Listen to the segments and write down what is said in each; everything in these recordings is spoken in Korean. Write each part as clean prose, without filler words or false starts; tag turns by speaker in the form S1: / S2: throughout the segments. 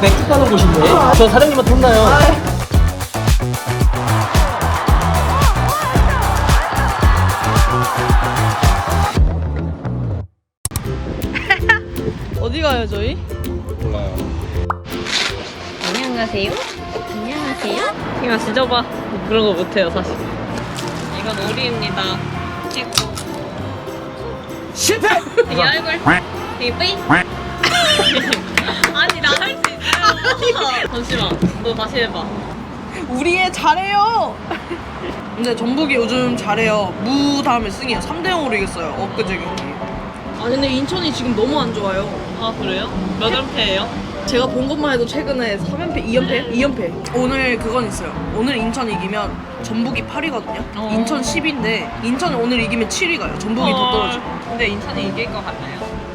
S1: 맥주 파는 곳인데. 저 사장님한테 혼나요.
S2: 어디 가요 저희?
S3: 몰라요.
S4: 안녕하세요. 안녕하세요.
S2: 이거 지져봐. 그런 거 못해요 사실. 이건 오리입니다. 찍고.
S1: 실패!
S2: 이 얼굴. 이 뿌이. 아니 나 할 수 있어요. 잠시만. 너 다시 해봐.
S5: 우리 애 잘해요. 근데 전북이 요즘 잘해요. 무 다음에 승이에요. 3대0으로 이겼어요. 엊그제 경기. 아 근데 인천이 지금 너무 안 좋아요.
S2: 아 그래요? 몇 연패예요?
S5: 제가 본 것만 해도 최근에 3연패, 2연패? 2연패. 오늘 그건 있어요. 오늘 인천 이기면 전북이 8위거든요. 인천 10위인데 인천이 오늘 이기면 7위 가요. 전북이 더 떨어지고.
S2: 근데 인천이 이길 것 같나요?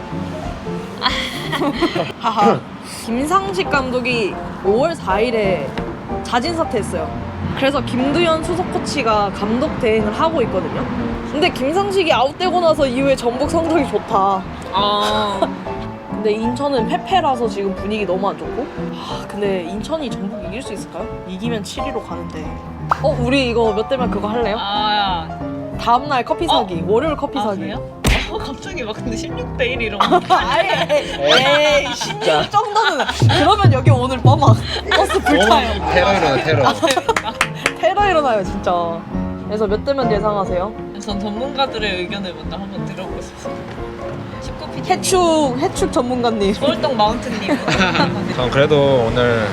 S5: 하하. 김상식 감독이 5월 4일에 자진 사퇴했어요. 그래서 김두현 수석 코치가 감독 대행을 하고 있거든요. 근데 김상식이 아웃되고 나서 이후에 전북 성적이 좋다.
S2: 아.
S5: 근데 인천은 패패라서 지금 분위기 너무 안 좋고. 근데 인천이 전북 이길 수 있을까요? 이기면 7위로 가는데. 우리 이거 몇 대면 그거 할래요?
S2: 아.
S5: 다음날 커피 사기. 월요일 커피 사기.
S2: 그래요? 갑자기 막 근데 16대 1 이런 거.
S5: 에이 16 정도는. 그러면 여기 오늘 막 버스 불타요.
S3: 테러 일어나 테러.
S5: 테러 일어나요 진짜. 그래서 몇 대면 예상하세요?
S2: 전 전문가들의 의견을 먼저 한번 들어보고 싶습니다. 19 PT.
S5: 해축 전문가님.
S2: 서울동 마운트님.
S3: 전 그래도 오늘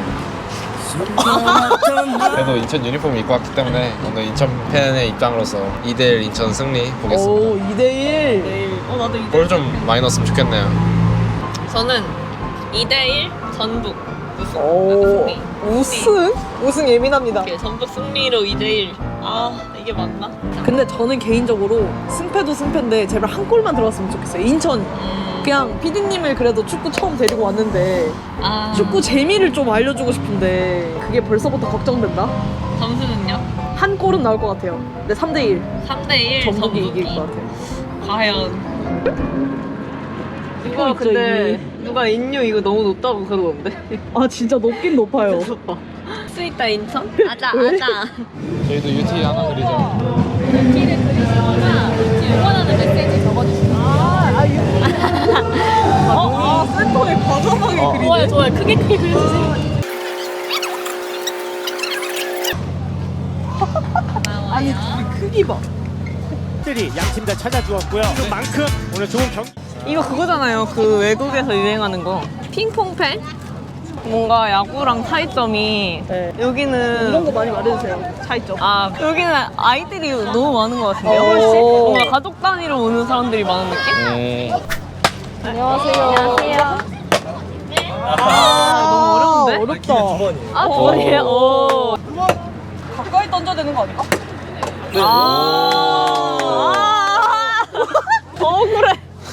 S3: 그래도 인천 유니폼 입고 왔기 때문에 오늘 인천 팬의 입장으로서 2대1 인천 승리 보겠습니다.
S5: 오 2대1.
S2: 내일. 나도 2대1.
S3: 골 좀 많이 넣었으면 좋겠네요.
S2: 저는 2대1 전북 우승.
S5: 오
S2: 승리.
S5: 우승 예민합니다.
S2: 오케이, 전북 승리로 2대1. 아 이게 맞나?
S5: 근데 저는 개인적으로 승패도 승패인데 제발 한 골만 들어왔으면 좋겠어요. 인천. 그냥 피디님을 그래도 축구 처음 데리고 왔는데
S2: 아.
S5: 축구 재미를 좀 알려주고 싶은데 그게 벌써부터 걱정된다.
S2: 점수는요?
S5: 한 골은 나올 것 같아요. 근데 3대1
S2: 3대1
S5: 전북이 이길 것 같아요.
S2: 과연.
S5: 이거 근데
S2: 누가 인류 이거 너무 높다고 그러던데.
S5: 아 진짜 높긴 높아요.
S2: 수 있다 인천? 아자
S5: 왜?
S2: 아자.
S3: 저희도 UT 하나 그리죠.
S4: 키를 그리시거나 응원하는 메시지 적어주시면
S5: 센터에 과감하게 그리네.
S4: 좋아요 좋아요 크게 그려주세요.
S5: 아니 크기 봐.
S1: 들이 양 팀 다 찾아주었고요. 그만큼 오늘 좋은 경기.
S2: 이거 그거잖아요. 그 외국에서 유행하는 거. 핑퐁팬? 뭔가 야구랑 차이점이
S5: 네.
S2: 여기는
S5: 이런 거 많이 말해주세요. 차이점.
S2: 아 여기는 아이들이 너무 많은 것 같은데요.
S5: 오.
S2: 훨씬 뭔가 가족 단위로 오는 사람들이 많은 느낌?
S5: 안녕하세요.
S4: 안녕하세요.
S2: 너무 어려운데?
S5: 어렵다.
S2: 아 뭐예요? 오.
S5: 가까이 던져야 되는 거 아닌가?
S2: 억울해.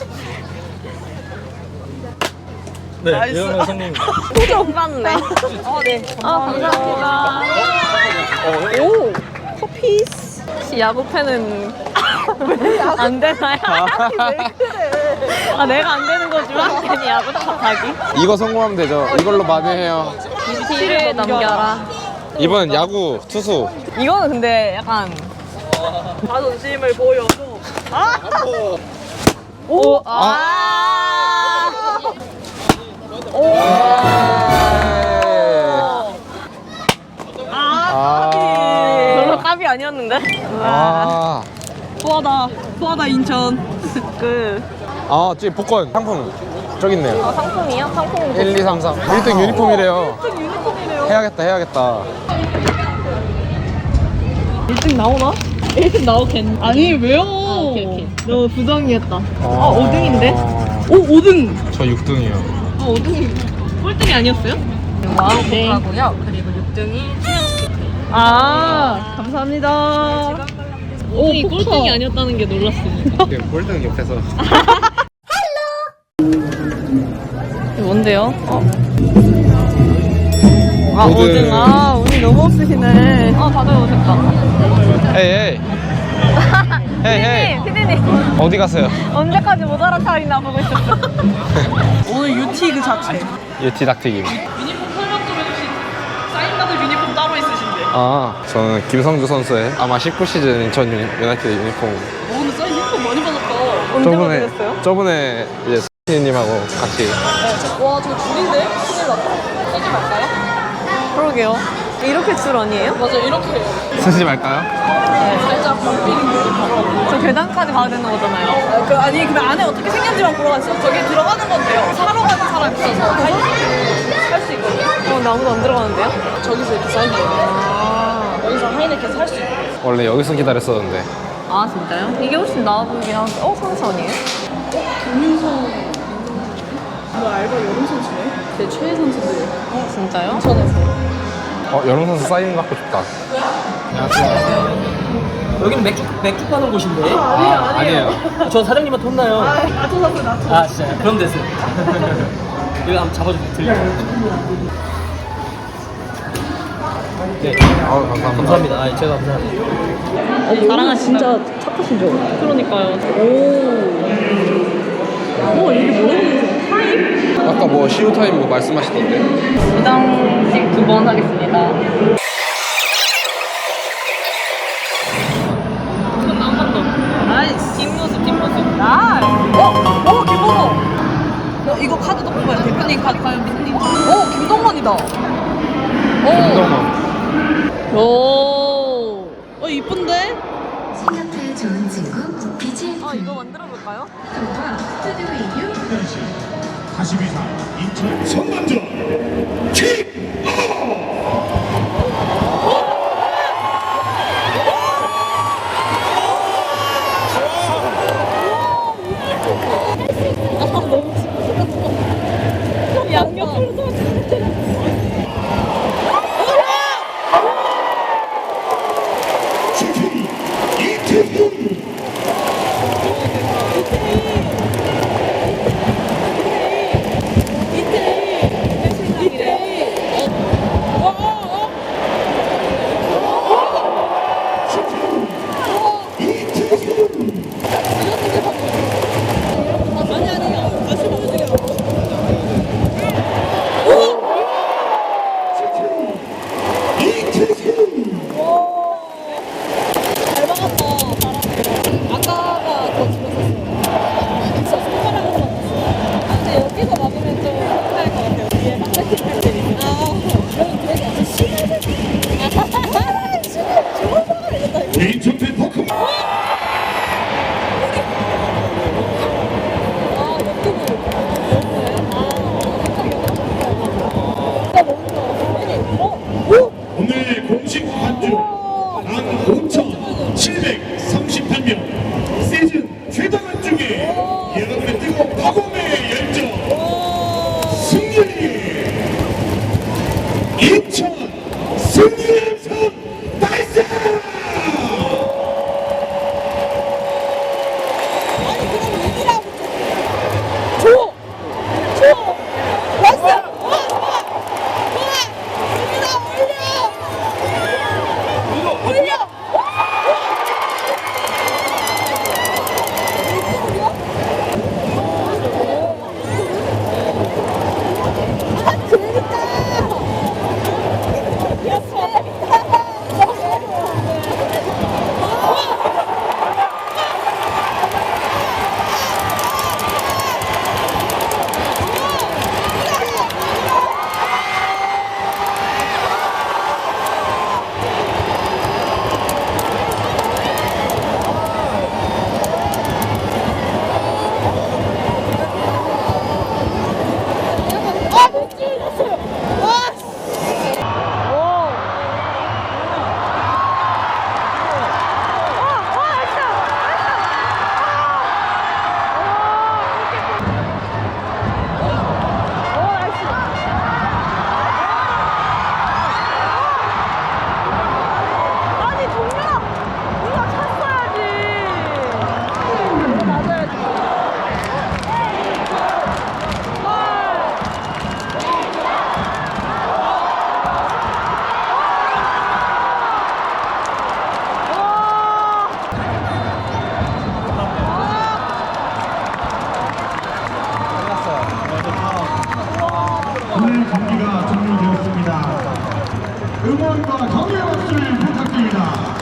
S1: 네,
S5: 나이스.
S1: 이러면 성공.
S2: 표정 맞네.
S5: 네.
S2: 감사합니다.
S5: 오 커피스.
S2: 혹시 야구 팬은 안 되나요?
S5: 왜 그래?
S2: 아 내가 안 되는 거지만 괜히 야구 탓하기.
S3: 이거 성공하면 되죠. 이걸로 만회해요.
S2: 티를 넘겨라.
S3: 이번 야구 투수.
S2: 이거는 근데 약간
S5: 자존심을 보여줘.
S2: 오 별로 깝이 아니었는데.
S5: 소하다 인천.
S3: 저기 복권 상품 저기 있네요.
S2: 상품이요? 상품
S3: 1, 2, 3, 4. 1등 유니폼이래요.
S5: 유니폼이래요.
S3: 해야겠다.
S5: 1등 나오나?
S2: 1등 나오겠네.
S5: 아니 왜요?
S2: 오케이.
S5: 너무 부정이었다.
S3: 아,
S5: 5등인데? 오 5등.
S3: 저 6등이요.
S2: 5등이 꼴등이 아니었어요?
S5: 네.
S2: 하고요. 그리고 6등이
S5: 아 감사합니다.
S2: 5등이 꼴등이 아니었다는 게 놀랐습니다.
S3: 골등 옆에서.
S2: 뭔데요?
S3: 오등.
S2: 5등. 운이 너무 없으시네. 다들 오셨다.
S3: 헤이.
S2: 피디님
S3: 어디 가세요?
S2: 언제까지 못 알아차리나 보고 있었어.
S5: 오늘 UT 그 자체.
S3: 예티 닭튀김.
S5: 유니폼 설명 좀 해주시. 사인받을 유니폼 따로 있으신데.
S3: 아, 저는 김성주 선수의 아마 19시즌 인천 유나이티드 유니폼.
S5: 오, 근데 사인 유니폼 많이 받았다.
S2: 언제 받으셨어요?
S3: 저번에 이제 님하고 같이.
S5: 와, 저 줄인데? 큰일 났다. 쓰지 말까요?
S2: 그러게요. 이렇게 줄 아니에요?
S5: 맞아, 이렇게 해요.
S3: 쓰지 말까요?
S5: 살짝 범핑.
S2: 저 계단까지 가야 되는 거잖아요.
S5: 아니, 근데 안에 어떻게 생겼는지만 보러 갔어요. 저기 들어가는 건데요. 사러 가는 사람 있어서 살수 있거든요.
S2: 나 아무도 안 들어가는데요?
S5: 저기서 이렇게 사인해요. 여기서 하이네켄 살 수 있어요.
S3: 원래 여기서 기다렸었는데.
S2: 아 진짜요? 이게 훨씬 나아 보이긴 한데 선수 아니에요?
S5: 김윤성. 너 알바 여름 선수네? 제 최애 선수들.
S2: 진짜요?
S5: 인천에서.
S3: 여름 선수 사인 받고 싶다.
S6: 여기는 맥주 파는 곳인데.
S3: 아니에요.
S6: 저 사장님한테 혼나요.
S5: 나초 선수, 나초.
S6: 아 진짜요? 그럼 됐어요. 여기 한번 잡아주세요. 들려. 네.
S3: 감사합니다.
S6: 감사합니다. 아, 제가 감사합니다.
S2: 자랑하신다.
S5: 진짜 착하시죠?
S2: 그러니까요.
S5: 오, 이게 뭐예요? 타임?
S3: 아까 뭐 시우 타임 뭐 말씀하시던데.
S2: 부장식 2번 하겠습니다. 나이스. 뒷모습.
S5: 오, 김동원. 이거 카드도 뽑아요. 대표님 카드 과연 민님. 오, 김동원이다.
S3: 김동원.
S5: 오, 이쁜데?
S7: 싱가포르 좋은 친구 BGM
S2: 아 이거 만들어 볼까요?
S7: 통과 스튜디오 이유
S8: 42사 인천 성남전 킥! 슈팅 이태훈 인천 팬퍼크 오늘 공식 관중 15,738명 시즌 최다 관중에 여러분의 뜨거운 파공의 열정 승리 인천 승리의 선 달성 여러분과 격려의 박수를 부탁드립니다.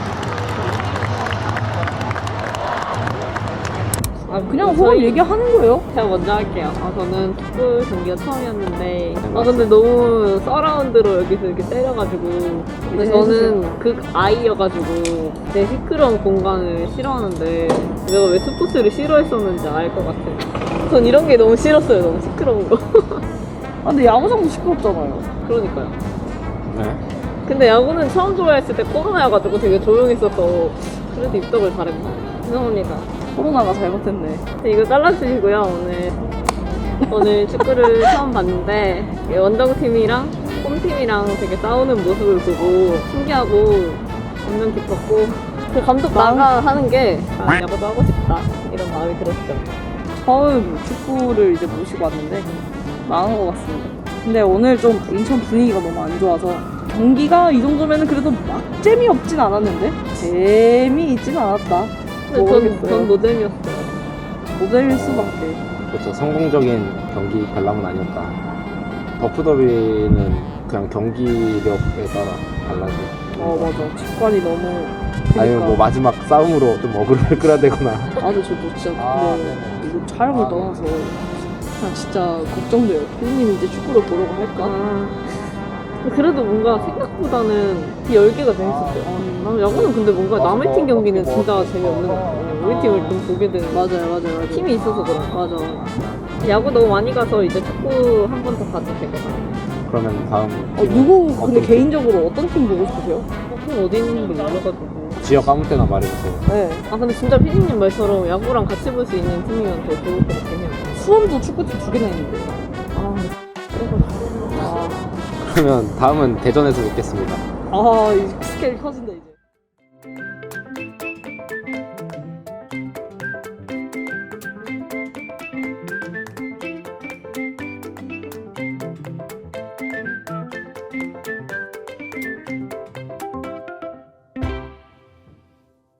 S5: 아 그냥 서로 얘기하는 거예요.
S2: 제가 먼저 할게요. 저는 축구 경기가 처음이었는데 근데 너무 서라운드로 여기서 이렇게 때려가지고 근데 저는 극아이여가지고 내 시끄러운 공간을 싫어하는데 내가 왜 스포츠를 싫어했었는지 알 것 같아요. 전 이런 게 너무 싫었어요. 너무 시끄러운 거.
S5: 아, 근데 야구장도 시끄럽잖아요.
S2: 그러니까요.
S3: 네.
S2: 근데 야구는 처음 좋아했을 때 코로나여가지고 되게 조용했어서 그래도 입덕을 잘했나? 죄송합니다.
S5: 코로나가 잘못했네.
S2: 이거 잘라주시고요. 오늘 축구를 처음 봤는데 원정팀이랑 홈팀이랑 되게 싸우는 모습을 보고 신기하고 감명 깊었고 그 감독 나가 하는 게 야구도 하고 싶다 이런 마음이 들었죠.
S5: 처음 축구를 이제 모시고 왔는데 망한 것 같습니다. 근데 오늘 좀 인천 분위기가 너무 안 좋아서 경기가 이 정도면은 그래도 막 재미없진 않았는데 재미있진 않았다.
S2: 근데
S5: 모르겠어요.
S2: 전 노잼이었어요.
S5: 모델일 수밖에.
S9: 그렇죠. 성공적인 경기 관람은 아니었다. 더프더비는 그냥 경기력에 따라 달라져.
S5: 맞아. 직관이 너무.
S9: 아니면 뭐 마지막 싸움으로 좀 어그로를 끌어대거나.
S5: 저도 진짜 근데 이거 촬영을 떠나서 그냥 진짜 걱정돼요. 피디님이 이제 축구를 보려고 할까?
S2: 그래도 뭔가 생각보다는 그 열기가 재밌었어요. 나는 야구는 근데 뭔가 남의 팀 경기는 진짜 재미없는 것 같아요. 우리 팀을 좀 보게 되는
S5: 맞아요.
S2: 팀이 있어서 그런
S5: 맞아.
S2: 야구 너무 많이 가서 이제 축구 한 번 더 봐도 될 것 같아요.
S9: 그러면 다음
S5: 누구 근데
S9: 어떤 팀?
S5: 개인적으로 어떤 팀 보고 싶으세요?
S2: 팀 어디 있는지 몰라가지고.
S9: 지역 아무 때나 말해주세요.
S5: 네.
S2: 근데 진짜 피디님 말처럼 야구랑 같이 볼 수 있는 팀이면 더 좋을 것 같긴 해요.
S5: 수원도 축구팀 2개나 있는데.
S9: 그러면 다음은 대전에서 뵙겠습니다.
S5: 이 스케일 커진다 이제.